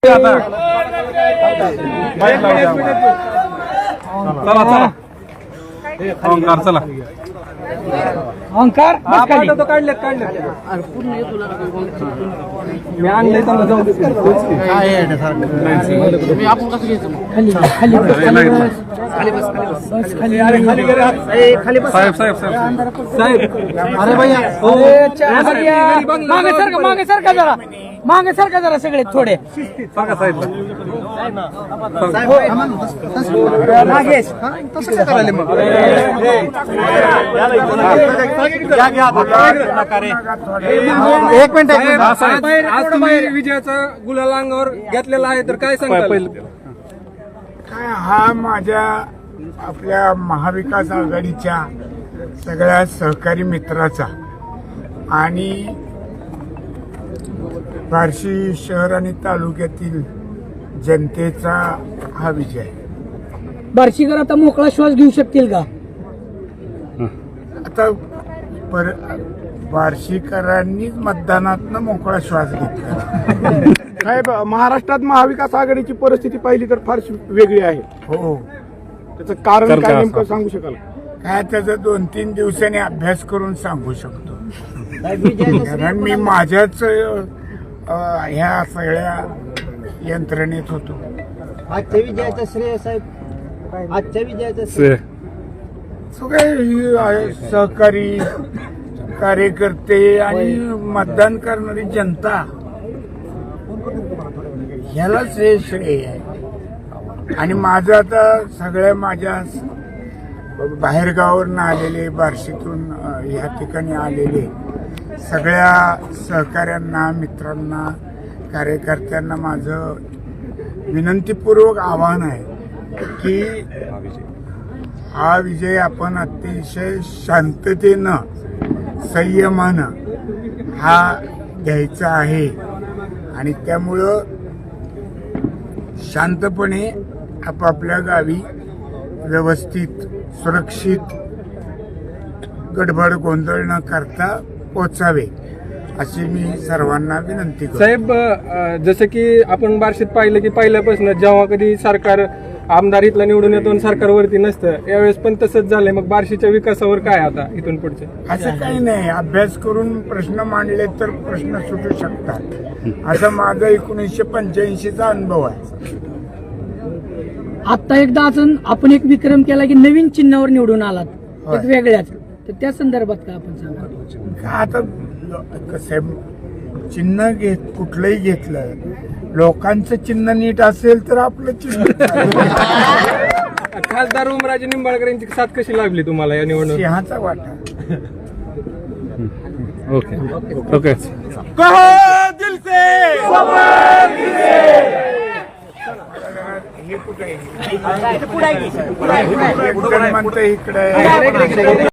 चला चला ओंकार तो काढलेत मी आणले आपण कसं घ्यायचं खाली साहेब साहेब साहेब अरे भैया मागे सरका जरा सगळे थोडे सांगा साहेब नागेश तसं काय करायला मग एक मिनिट आज तुम्ही विजयाचा गुलाल अंगावर घेतलेला आहे तर काय सांगता काय हा माझ्या आपल्या महाविकास आघाडीच्या सगळ्या सहकारी मित्राचा आणि बार्शी शहर आणि तालुक्यातील जनतेचा हा विजय. बार्शीकर आता मोकळा श्वास घेऊ शकतील का? आता बार्शीकरांनीच मतदानातनं मोकळा श्वास घेतला. साहेब, महाराष्ट्रात महाविकास आघाडीची परिस्थिती पाहिली तर फारशी वेगळी आहे. हो, त्याचं कारण काय नेमकं सांगू शकाल? काय त्याचा 2-3 दिवसांनी अभ्यास करून सांगू शकतो. कारण मी माझ्याच ह्या सगळ्या यंत्रणेत होतो. आजच्या विजयाचं श्रेय साहेब, आजच्या विजयाचं श्रेय सगळे सहकारी कार्यकर्ते आणि मतदान करणारी जनता ह्यालाच हे श्रेय आहे. आणि माझं आता सगळ्या माझ्या बाहेरगावावरून आलेले, बार्शीतून ह्या ठिकाणी आलेले सगळ्या सहकाऱ्यांना, मित्रांना, कार्यकर्त्यांना माझं विनंतीपूर्वक आवाहन आहे की हा विजय आपण अतिशय शांततेनं, संयमानं हा घ्यायचा आहे. आणि त्यामुळं शांतपणे आपापल्या गावी व्यवस्थित, सुरक्षित, गडबड गोंधळ न करता पोचावे अशी मी सर्वांना विनंती करतो. साहेब, जसं की आपण बार्शीत पाहिलं की पहिल्यापासून जेव्हा कधी सरकार आमदार इथला निवडून येतो सरकारवरती नसतं, यावेळेस पण तसंच झालंय. मग बार्शीच्या विकासावर काय आता इथून पुढचे? असं काही नाही, अभ्यास करून प्रश्न मांडले तर प्रश्न सुटू शकतात. असा माझा 1985चा अनुभव आहे. आता एकदा अजून आपण एक विक्रम केला की नवीन चिन्हावर निवडून आलात, एक वेगळ्याच, तर त्या संदर्भात काय आपण सांगा? आता कसं चिन्ह कुठलंही घेतलं, लोकांचं चिन्ह नीट असेल तर आपलं चिन्ह खासदार उमराजे निंबाळकर यांची साथ कशी लागली तुम्हाला या निवडणूक? सिंहाचा वाटा. Okay okay. हे कुठे म्हणतं इकडे